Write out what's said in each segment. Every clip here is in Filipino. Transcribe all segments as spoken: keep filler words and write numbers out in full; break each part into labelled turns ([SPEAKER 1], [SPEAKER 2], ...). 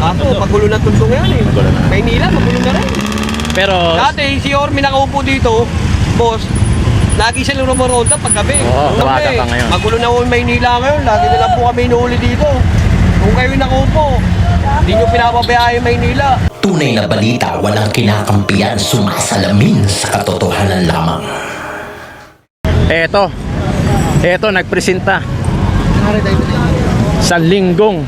[SPEAKER 1] Ako, magulo na tundo ngayon eh.
[SPEAKER 2] Magulo na.
[SPEAKER 1] Maynila, magulo na rin.
[SPEAKER 2] Pero
[SPEAKER 1] Dati, si Yorme nakaupo dito, boss, lagi siya lumaronda paggabi.
[SPEAKER 2] Oo,
[SPEAKER 1] Sabi,
[SPEAKER 2] tawagan ka ngayon.
[SPEAKER 1] Magulo na yung Maynila ngayon, lagi na lang po kami inuuli dito. Kung kayo nakaupo, hindi nyo pinapabayaan yung Maynila.
[SPEAKER 3] Tunay na balita, walang kinakampiyan, sumasalamin sa katotohanan lamang.
[SPEAKER 2] eto, eto nagpresenta. Sanlinggong.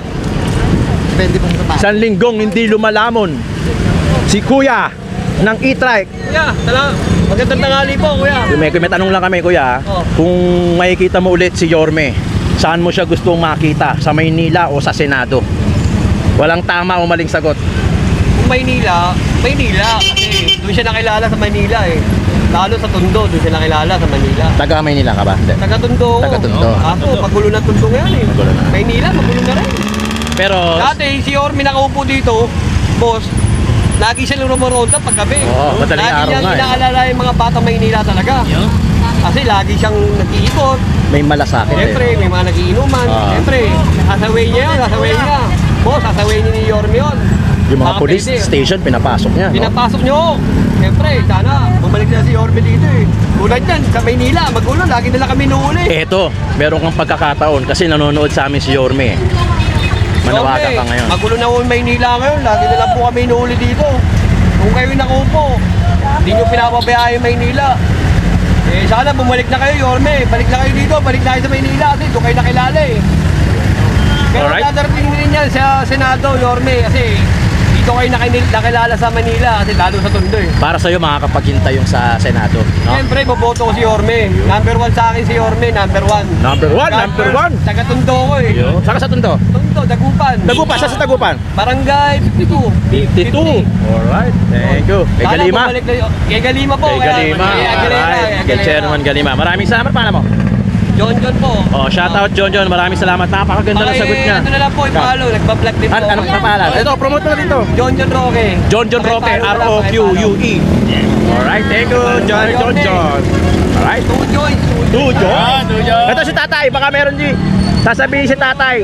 [SPEAKER 2] Sanlinggong hindi lumalamon. Si Kuya ng e-trike.
[SPEAKER 1] Kuya, tala, magandang tanghali po, kuya.
[SPEAKER 2] May, may tanong lang kami, Kuya.
[SPEAKER 1] Oh.
[SPEAKER 2] Kung makikita mo ulit si Yorme, saan mo siya gustong makita? Sa Maynila o sa Senado? Walang tama o maling sagot.
[SPEAKER 1] Kung Maynila, Maynila, kasi doon siya nakilala sa Maynila eh. Lalo sa Tondo, doon siya nakilala sa Manila.
[SPEAKER 2] Taga Maynila ka ba? Hindi.
[SPEAKER 1] Taga Tondo.
[SPEAKER 2] Taga Tondo.
[SPEAKER 1] Ako, magulo na Tondo ngayon eh.
[SPEAKER 2] Magulo na.
[SPEAKER 1] Maynila, magulo na rin.
[SPEAKER 2] Pero
[SPEAKER 1] Dati, si Yorme nakaupo dito, boss, lagi siya lumaronda paggabi.
[SPEAKER 2] Oo, madaling
[SPEAKER 1] lagi
[SPEAKER 2] araw
[SPEAKER 1] niyang
[SPEAKER 2] nga eh.
[SPEAKER 1] inaalala yung mga bata Maynila talaga. Kasi lagi siyang nag-iikot.
[SPEAKER 2] may malasakit
[SPEAKER 1] Siyempre,
[SPEAKER 2] eh.
[SPEAKER 1] may mga nagiinuman.
[SPEAKER 2] Ah.
[SPEAKER 1] Siyempre, sasaway niya yun, sasaway niya. Boss, sasaway niya ni Yorme yun.
[SPEAKER 2] Yung mga
[SPEAKER 1] Baka
[SPEAKER 2] police
[SPEAKER 1] pwede.
[SPEAKER 2] station, pinapasok niya. No?
[SPEAKER 1] Pinapasok niyo. Siyempre, sana bumalik na si Yorme dito eh. Tulad yan, sa Maynila, magulo, lagi nila kami nuuli.
[SPEAKER 2] Eto, meron kang pagkakataon kasi nanonood sa amin si Yorme. Manawagan ka ngayon.
[SPEAKER 1] Magulo na yung Maynila ngayon, lagi nila po kami nuuli dito. Kung kayo nakaupo, hindi nyo pinapabayaan yung Maynila. Eh, sana bumalik na kayo, Yorme. Balik na kayo dito, balik na kayo sa Maynila kasi doon kayo nakilala eh. Pero
[SPEAKER 2] Alright.
[SPEAKER 1] dadarating din yan sa Senado, Yorme, kasi dito kayo nakil- nakilala sa Manila kasi lalo sa Tondo eh.
[SPEAKER 2] Para sa'yo, makakapaghintay yung sa Senado. No?
[SPEAKER 1] Siyempre, boboto ko si Yorme. Number one sa akin si Yorme, number one.
[SPEAKER 2] Number one, number one.
[SPEAKER 1] Taga Tondo ko eh.
[SPEAKER 2] Yo. Saka sa Tondo?
[SPEAKER 1] Tondo, Dagupan.
[SPEAKER 2] Tagupan, sa sa Tagupan?
[SPEAKER 1] Barangay fifty-two.
[SPEAKER 2] fifty-two. Alright, thank you. Kay
[SPEAKER 1] Sana
[SPEAKER 2] Galima.
[SPEAKER 1] bumalik na y- Kay Galima po.
[SPEAKER 2] Kay
[SPEAKER 1] kaya-
[SPEAKER 2] Galima.
[SPEAKER 1] Kay Aguilera,
[SPEAKER 2] Alright.
[SPEAKER 1] kay
[SPEAKER 2] Kay
[SPEAKER 1] Aguilera.
[SPEAKER 2] Chairman Galima. Maraming salamat. Paano mo?
[SPEAKER 1] John John po.
[SPEAKER 2] Oh, shout out John John. Maraming salamat. Napakaganda ng
[SPEAKER 1] Okay,
[SPEAKER 2] sagot niya.
[SPEAKER 1] Ano na lang po, ipalo. Nagpa-vlog din po.
[SPEAKER 2] An anong kapalan? Ito, promote mo na dito.
[SPEAKER 1] John John Roque.
[SPEAKER 2] John John Roque, R O Q U E. Alright, thank you, John John John. Alright.
[SPEAKER 1] Two Joy.
[SPEAKER 2] Two John. Ito si Tatay. Baka meron di. Sasabihin si Tatay.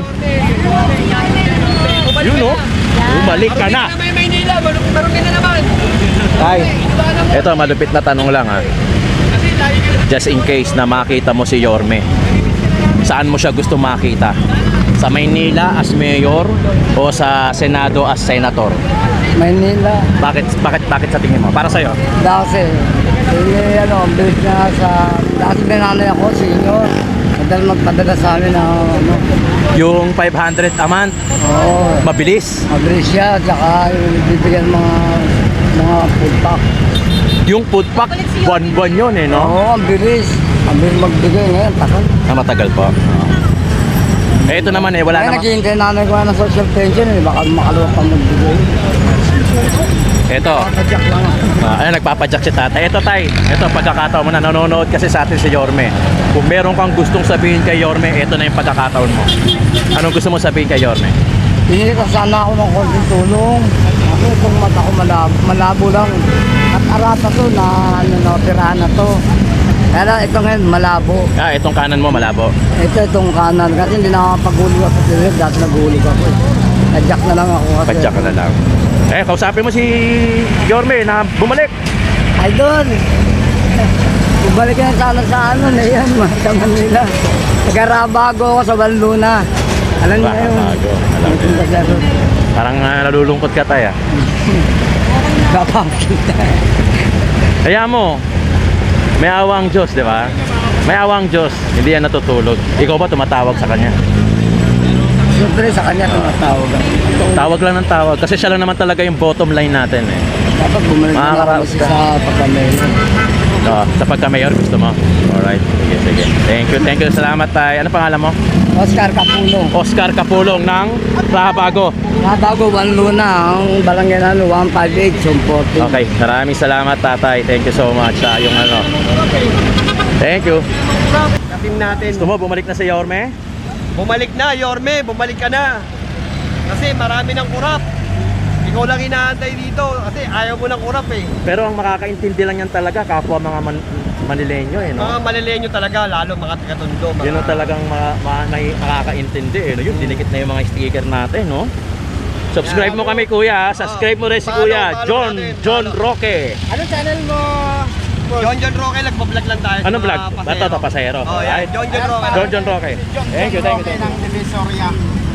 [SPEAKER 2] Yun no? Bumalik ka na.
[SPEAKER 1] May Maynila. Marukin na naman.
[SPEAKER 2] Tay, ito malupit na tanong lang ha.
[SPEAKER 1] Kasi lagi ka
[SPEAKER 2] Just in case na makita mo si Yorme, saan mo siya gusto makita? Sa Maynila as mayor o sa Senado as senator?
[SPEAKER 4] Maynila.
[SPEAKER 2] Bakit bakit bakit sa tingin mo? Para sa iyo.
[SPEAKER 4] Dati, eh, ano, bilis na sa, dati binanay ako, senior. Madal magpadala sa amin na, ano,
[SPEAKER 2] Yung five hundred a month,
[SPEAKER 4] oo,
[SPEAKER 2] mabilis.
[SPEAKER 4] mabilis siya, tsaka yung bibigyan mga, mga food pack.
[SPEAKER 2] Yung food pack, buwan-buwan yun eh, no?
[SPEAKER 4] Oo, ang bilis. Ang bilis magbigay ngayon, takal.
[SPEAKER 2] Na matagal po. Eh, ito naman eh, wala
[SPEAKER 4] Kaya
[SPEAKER 2] naman.
[SPEAKER 4] naghihintay nanay ko ng social pension, eh, baka makaluwag pa magbigay.
[SPEAKER 2] Ito,
[SPEAKER 4] Padyak lang ako.
[SPEAKER 2] uh, ayun, nagpapadyak si tatay. Ito tay, ito pagkakataon mo na nanonood kasi sa atin si Yorme. Kung meron kang gustong sabihin kay Yorme, ito na yung pagkakataon mo. Anong gusto mo sabihin kay Yorme?
[SPEAKER 4] Hindi ko sana ako ng konting tulong. Ako itong mata ko malabo, malabo lang. At arata to na ano na operahan na to. Kaya lang, ito ngayon malabo.
[SPEAKER 2] Ah, itong kanan mo malabo.
[SPEAKER 4] Ito itong kanan kasi hindi na makapag-hulog ako sa lilit. Dati nag-hulog ako. eh. Nadyak na lang ako kasi.
[SPEAKER 2] Padyak ka na lang. Eh, kausapin mo si Yorme na bumalik.
[SPEAKER 4] Ay doon. Bumalik na sana sa ano na yan, sa Manila. Nagarabago ako sa Banluna. Alam niyo yun.
[SPEAKER 2] Bago, alam ko.
[SPEAKER 4] Nagpunta siya doon.
[SPEAKER 2] Parang uh, nalulungkot ka tay ah.
[SPEAKER 4] Kapakita.
[SPEAKER 2] Kaya mo, may awang Diyos, di ba? May awang Diyos, hindi yan natutulog. Ikaw ba tumatawag sa kanya?
[SPEAKER 4] Siyempre sa kanya tumatawag ako.
[SPEAKER 2] Tawag lang ng tawag kasi siya lang naman talaga yung bottom line natin eh.
[SPEAKER 4] Dapat bumalik na
[SPEAKER 2] Mga
[SPEAKER 4] lang
[SPEAKER 2] karap-
[SPEAKER 4] kasi sa pagkamay.
[SPEAKER 2] So, sa pagka-mayor gusto mo? Alright, sige, sige. Thank you, thank you. Salamat tay. Ano pangalan mo?
[SPEAKER 4] Oscar Capulong.
[SPEAKER 2] Oscar Capulong ng Rahabago.
[SPEAKER 4] Nabago, one luna. Ang barangay na one five eight, Sumporting.
[SPEAKER 2] Okay, maraming salamat tatay. Thank you so much sa yung ano. Thank you.
[SPEAKER 1] Team natin.
[SPEAKER 2] Gusto mo bumalik na si Yorme?
[SPEAKER 1] Bumalik na, Yorme. Bumalik ka na. Kasi marami ng kurap. Ikaw lang inaantay dito kasi ayaw mo ng kurap eh.
[SPEAKER 2] Pero ang makakaintindi lang yan talaga kapwa mga man Manileño eh, no?
[SPEAKER 1] Mga malilenyo talaga, lalo mga taga-Tondo. Mga...
[SPEAKER 2] Yun ang talagang ma ma may makakaintindi eh, no? Yung dinikit na yung mga sticker natin, no? So Subscribe mo kami kuya, subscribe mo rin si
[SPEAKER 1] Follow,
[SPEAKER 2] kuya,
[SPEAKER 1] follow
[SPEAKER 2] John,
[SPEAKER 1] natin,
[SPEAKER 2] John
[SPEAKER 1] follow.
[SPEAKER 2] Roque.
[SPEAKER 4] Ano channel mo?
[SPEAKER 1] John John Roque, nagpa-vlog lang tayo.
[SPEAKER 2] Anong
[SPEAKER 1] sa
[SPEAKER 2] vlog?
[SPEAKER 1] mga
[SPEAKER 2] Bato to, pasahero.
[SPEAKER 1] Oh, yan.
[SPEAKER 2] Alright.
[SPEAKER 1] John John Roque.
[SPEAKER 2] John John Roque. Thank you, thank you, thank you.
[SPEAKER 4] ng Divisoria.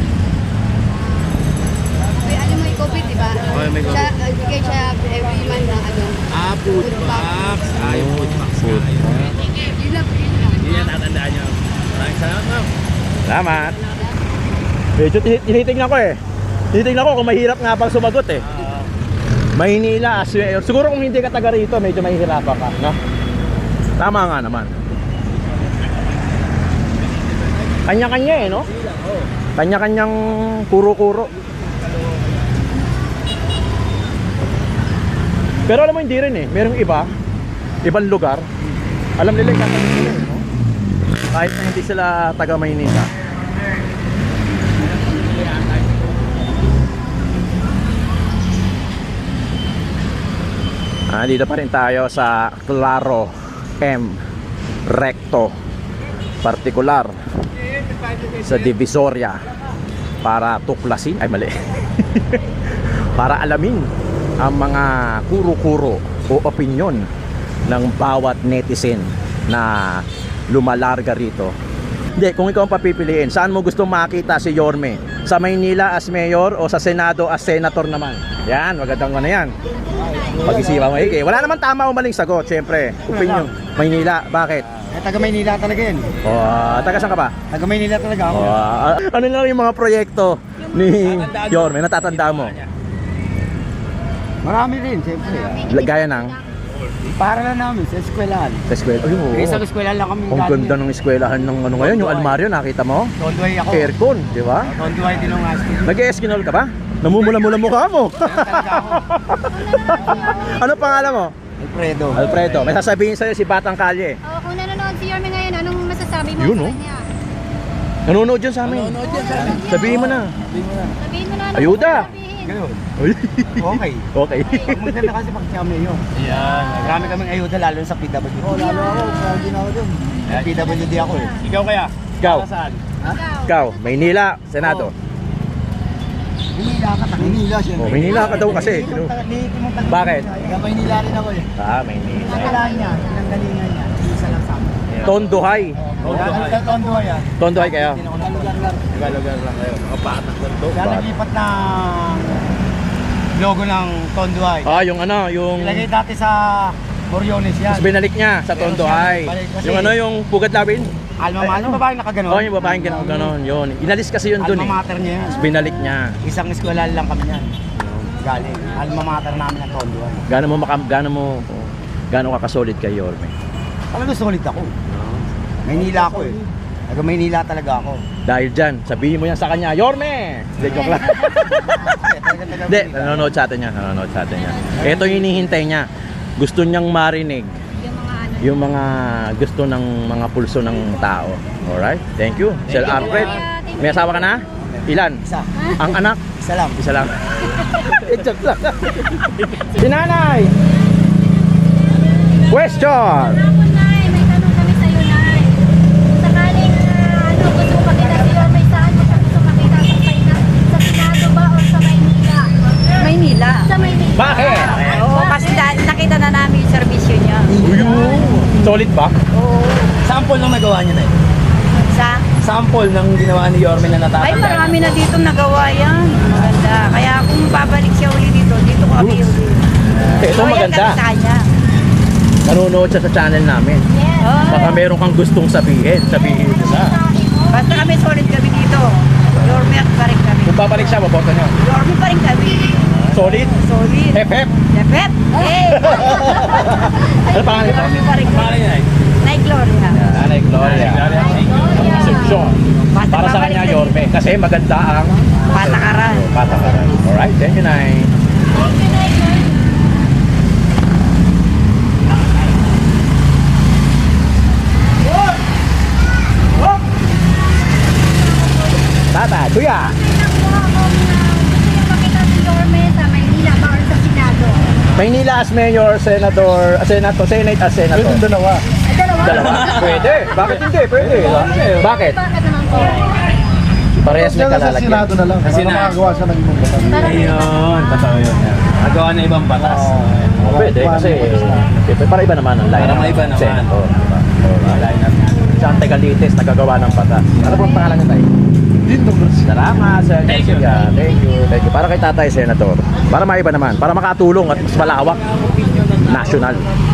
[SPEAKER 5] May alam mo yung COVID, di ba?
[SPEAKER 2] Oh, may COVID.
[SPEAKER 5] Siya, uh, bigay siya every month na ano.
[SPEAKER 4] Ah, food box. Ah, yung food box.
[SPEAKER 2] Food.
[SPEAKER 5] Yun lang, yun lang.
[SPEAKER 2] Yan, tatandaan nyo. Maraming salamat, ma'am. Salamat. Medyo tini- tinitingnan ko eh. Tinitingnan ko kung mahirap nga bang sumagot eh. Maynila, Aswe. Siguro kung hindi ka taga rito, medyo mahihirapan ka, no? Tama nga naman. Kanya-kanya eh, no? Kanya-kanyang kuro-kuro. Pero alam mo hindi rin eh. Merong iba, ibang lugar. Alam nila yung tatanungin nila, eh, no? Kahit na hindi sila taga Maynila. Ah, dito pa rin tayo sa Claro M Recto Particular sa Divisoria para tuklasin, ay mali para alamin ang mga kuro-kuro o opinyon ng bawat netizen na lumalarga rito. Hindi, kung ikaw ang papipiliin, saan mo gusto makita si Yorme? Sa Maynila as mayor o sa Senado as senator naman? Yan, magandang ano yan. Pag-isipan mo, eh, wala naman tama o maling sagot, syempre. Opinion. Maynila, bakit?
[SPEAKER 4] Eh, taga Maynila talaga yun.
[SPEAKER 2] O, ah, taga saan ka ba?
[SPEAKER 4] Taga Maynila talaga ako.
[SPEAKER 2] O, ah, ano lang yung mga proyekto ni Yorme, natatanda mo?
[SPEAKER 4] Marami rin, siyempre.
[SPEAKER 2] Gaya ng
[SPEAKER 4] Para lang namin sa eskwelahan.
[SPEAKER 2] sa eskwela. Ay, oo.
[SPEAKER 4] Eh, sa eskwelahan lang kami.
[SPEAKER 2] Ang ganda ng eskwelahan ng ano ngayon, yung almaryo, nakita mo?
[SPEAKER 4] Tondoy ako.
[SPEAKER 2] Aircon, di ba?
[SPEAKER 4] Tondoy din ang school.
[SPEAKER 2] Nag-eskinol ka ba? Namumula-mula mukha mo.
[SPEAKER 4] Talaga ako.
[SPEAKER 2] Ano pangalan mo?
[SPEAKER 4] Alfredo.
[SPEAKER 2] Alfredo. May sasabihin sa'yo si Batang Kalye.
[SPEAKER 5] Oh, kung nanonood si Yorme ngayon, anong masasabi mo
[SPEAKER 2] Yun,
[SPEAKER 5] sa
[SPEAKER 2] oh.
[SPEAKER 5] kanya?
[SPEAKER 2] Nanonood dyan sa amin. Sabihin mo na.
[SPEAKER 5] Sabihin mo na. ano
[SPEAKER 2] Ayuda.
[SPEAKER 5] sasabihin?
[SPEAKER 4] Ganun.
[SPEAKER 2] Uy.
[SPEAKER 4] Okay.
[SPEAKER 2] Okay.
[SPEAKER 4] Ang maganda kasi pag siya mayor.
[SPEAKER 2] Yan.
[SPEAKER 4] Marami kaming ayuda lalo sa P W D. Oh, lalo ako. Lagi na ako dun. Sa P W D ako eh.
[SPEAKER 2] Ikaw kaya? Ikaw.
[SPEAKER 5] Ikaw.
[SPEAKER 2] Ikaw. Maynila. Senado.
[SPEAKER 4] Maynila ka, taga Maynila siya.
[SPEAKER 2] Oh, Maynila ka daw kasi. Bakit?
[SPEAKER 4] Taga Maynila rin ako eh.
[SPEAKER 2] Ah, Maynila.
[SPEAKER 4] Kailangan niya, pinanggalingan niya. Isa lang sa amin.
[SPEAKER 2] Tondohay.
[SPEAKER 4] Tondohay. Tondohay ah.
[SPEAKER 2] Tondohay kayo.
[SPEAKER 4] Lugar lang.
[SPEAKER 2] Lugar lang kayo. Mga patak lang to.
[SPEAKER 4] Kaya naglipat ng logo ng Tondohay.
[SPEAKER 2] Ah, yung ano, yung...
[SPEAKER 4] Ilagay dati sa Boriones yan.
[SPEAKER 2] Tapos binalik niya sa Tondohay.
[SPEAKER 4] Balik kasi-
[SPEAKER 2] Yung ano, yung Pugat Lawin?
[SPEAKER 4] Alma mater, yung babaeng nakaganon.
[SPEAKER 2] Oh, yung babaeng gano'n, gano'n, yun. Inalis kasi yun dun eh.
[SPEAKER 4] Alma mater niya yan.
[SPEAKER 2] Tapos binalik niya.
[SPEAKER 4] Isang eskwela lang kami yan. Galing. Alma mater namin ang Tondohay.
[SPEAKER 2] Gano'n mo, maka, gano'n mo, gano'n ka kasolid kay Yorme?
[SPEAKER 4] Talaga solid ako. Maynila ako eh. Taga Maynila talaga ako.
[SPEAKER 2] Dahil dyan, sabihin mo yan sa kanya, Yorme! Hindi, joke lang. Hindi, nanonood sa atin yan, nanonood sa atin yan. Ito yung hinihintay niya. Gusto niyang marinig
[SPEAKER 5] Yung mga ano.
[SPEAKER 2] yung mga gusto ng mga pulso ng tao. Alright? Thank you. Sir Alfred. May asawa ka na? Ilan?
[SPEAKER 4] Isa.
[SPEAKER 2] Ang anak?
[SPEAKER 4] Isa lang.
[SPEAKER 2] Isa lang. Eh, joke lang. Si Nanay! Question!
[SPEAKER 5] Hapon, Nay. May tanong kami sa'yo, Nay. Kung sakaling ah, ano, gusto mo makita si Yorme, saan mo siya gusto makita? Sa, Payna- sa Senado ba o sa Maynila?
[SPEAKER 6] Maynila.
[SPEAKER 5] Sa Maynila.
[SPEAKER 2] Bakit?
[SPEAKER 6] Oo, kasi da- nakita na namin yung servisyo niya.
[SPEAKER 2] Uyun! Solid ba?
[SPEAKER 6] Oo.
[SPEAKER 4] Sample lang nagawa niya na eh.
[SPEAKER 6] Sa?
[SPEAKER 4] Sample ng ginawa ni Yorme na natatanda.
[SPEAKER 6] Ay, marami na dito nagawa yan. Maganda. Kaya kung babalik siya uli dito, dito kami uli.
[SPEAKER 2] Ito
[SPEAKER 6] Loyal
[SPEAKER 2] maganda.
[SPEAKER 6] kami sa kanya.
[SPEAKER 2] Nanonood siya sa channel namin.
[SPEAKER 5] Yes.
[SPEAKER 6] Oo.
[SPEAKER 2] Baka meron kang gustong sabihin. Sabihin mo na.
[SPEAKER 6] Basta kami solid kami dito. Yorme at pa rin kami.
[SPEAKER 2] Kung babalik siya, maboto niyo.
[SPEAKER 6] Yorme pa rin kami.
[SPEAKER 2] Solid?
[SPEAKER 6] Solid.
[SPEAKER 2] Hep hep!
[SPEAKER 6] Depet. Eh.
[SPEAKER 2] Ano pangalan ito?
[SPEAKER 6] Yorme pa rin kami. Nay Gloria.
[SPEAKER 2] Nanay Gloria. Concepcion. Para sa kanya, Yorme. Kasi maganda ang
[SPEAKER 6] Patakaran.
[SPEAKER 2] patakaran. Alright, thank you, Nay. Tata, kuya.
[SPEAKER 5] Makita si Yorme sa Maynila ba or sa Senado?
[SPEAKER 2] Maynila as mayor, senator, uh, senator, senate as senator. Pwede dalawa.
[SPEAKER 5] Ay, dalawa.
[SPEAKER 2] Dalawa? Pwede. Bakit hindi? Pwede. Bakit?
[SPEAKER 5] Bakit naman po?
[SPEAKER 2] Parehas may
[SPEAKER 7] Diyan sa
[SPEAKER 2] kalalagyan.
[SPEAKER 7] Senado na lang. Para
[SPEAKER 8] Senado.
[SPEAKER 7] makagawa siya ng ibang batas.
[SPEAKER 5] Para
[SPEAKER 8] Ayun, totoo yun. Nagawa na ibang batas.
[SPEAKER 2] Oh, pwede kasi siyempre para iba naman ang line.
[SPEAKER 8] Para maiba naman.
[SPEAKER 2] Senator, diba? Oh,
[SPEAKER 8] Wala na.
[SPEAKER 2] Sa Antegalites, nagagawa ng batas. Ano po ang pangalan niyo tayo?
[SPEAKER 7] Din Douglas.
[SPEAKER 2] Salamat, Sir
[SPEAKER 8] Thank you.
[SPEAKER 2] Jessica. Thank you. Thank you. Para kay Tatay Senator. Para maiba naman. Para makatulong at mas malawak. National.